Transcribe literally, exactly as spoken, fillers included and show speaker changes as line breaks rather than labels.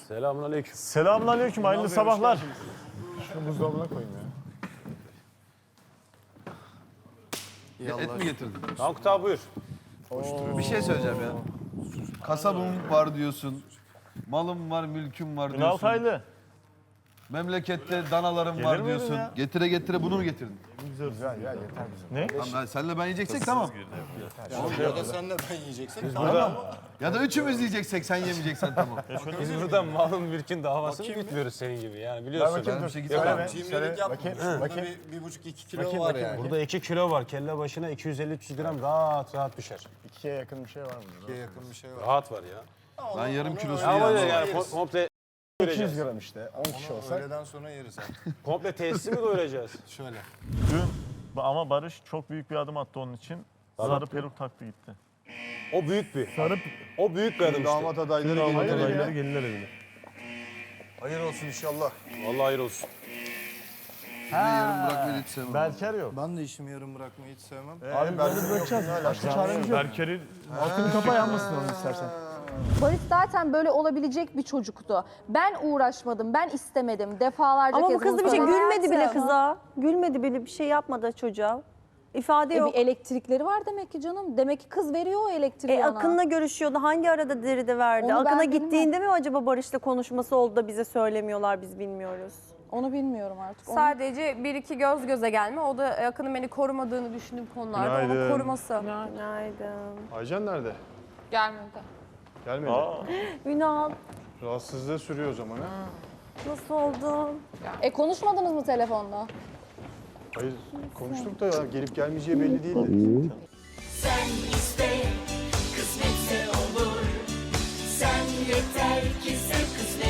Selamünaleyküm.
Selamünaleyküm, hayırlı sabahlar. Şunu buzdolabına koyayım ya.
Et mi getirdin?
Tankut abi buyur.
Bir şey söyleyeceğim ya. Kasabım var diyorsun. Malım var, mülküm var
Ünal
diyorsun.
Taylı.
Memlekette danalarım
Gelir
var
miydin
diyorsun.
ya?
Getire getire bunu mu getirdin?
Güzel ya, yeter bize. Ne?
Tamam, ben, senle ben yiyeceksek tamam.
Ya da senle ben yiyeceksek tamam.
Ya da üçümüz yiyeceksek sen yemeyeceksen tamam.
Biz burada malın mülkün davasını gütmüyoruz senin gibi yani biliyorsun.
Ben bir şey
Söyle
gitmem.
be.
Cimrilik yapma.
Bakayım,
Burada
bakayım.
bir, bir buçuk iki kilo
Bakayım,
var
bakayım,
yani.
Burada iki kilo var. Kelle başına iki yüz elli üç yüz gram rahat rahat düşer.
İkiye yakın bir şey var mı?
İkiye yakın bir şey var.
Rahat var ya.
Ben yarım kilosunu
Ama
yerim.
yani kom- komple
iki yüz gram işte, on kişi
Onu
olsak.
öğleden sonra yeriz artık.
komple tesisi mi doyuracağız?
Şöyle.
Dün ama Barış çok büyük bir adım attı onun için. Sarı peruk taktı gitti.
O büyük bir.
Sarı
O büyük bir adım işte.
Damat adayları
Hayır
gelir.
ya.
gelinler evine.
Hayır olsun inşallah.
Vallahi hayır olsun.
Yarım bırakmayı hiç sevmem.
Berker yok.
Ben de işimi yarım bırakmayı hiç sevmem.
Abi böyle bırakacağız. Başka çaremiz yok. Berker'i altını kapa yanmasın onu istersen.
Barış zaten böyle olabilecek bir çocuktu. Ben uğraşmadım, ben istemedim. Defalarca
Ama
kez
bu kız da
bunu
bir şey
söyledim.
gülmedi bile
Hayatım.
kıza. Gülmedi bile, bir şey yapmadı çocuğa. İfade
E
yok.
bir elektrikleri var demek ki canım. Demek ki kız veriyor o elektriği
E,
ona.
Akın'la görüşüyordu. Hangi arada deride verdi?
Onu ben
Akın'a
bilmem.
gittiğinde mi acaba Barış'la konuşması oldu da bize söylemiyorlar, biz bilmiyoruz.
Onu bilmiyorum artık. Onu...
Sadece bir iki göz göze gelme. O da Akın'ın beni korumadığını düşündüğüm konularda onun
Günaydın.
koruması.
Günaydın.
Aycan nerede?
Gelmedi.
Gelmedi.
Ünal,
Rahatsızlığı sürüyor o zaman ha.
nasıl oldun?
E konuşmadınız mı telefonda?
Hayır, konuştuk da ya, gelip gelmeyeceği belli değildi.
Sen iste, kısmetse olur. Sen yeter ki sev, kısmet.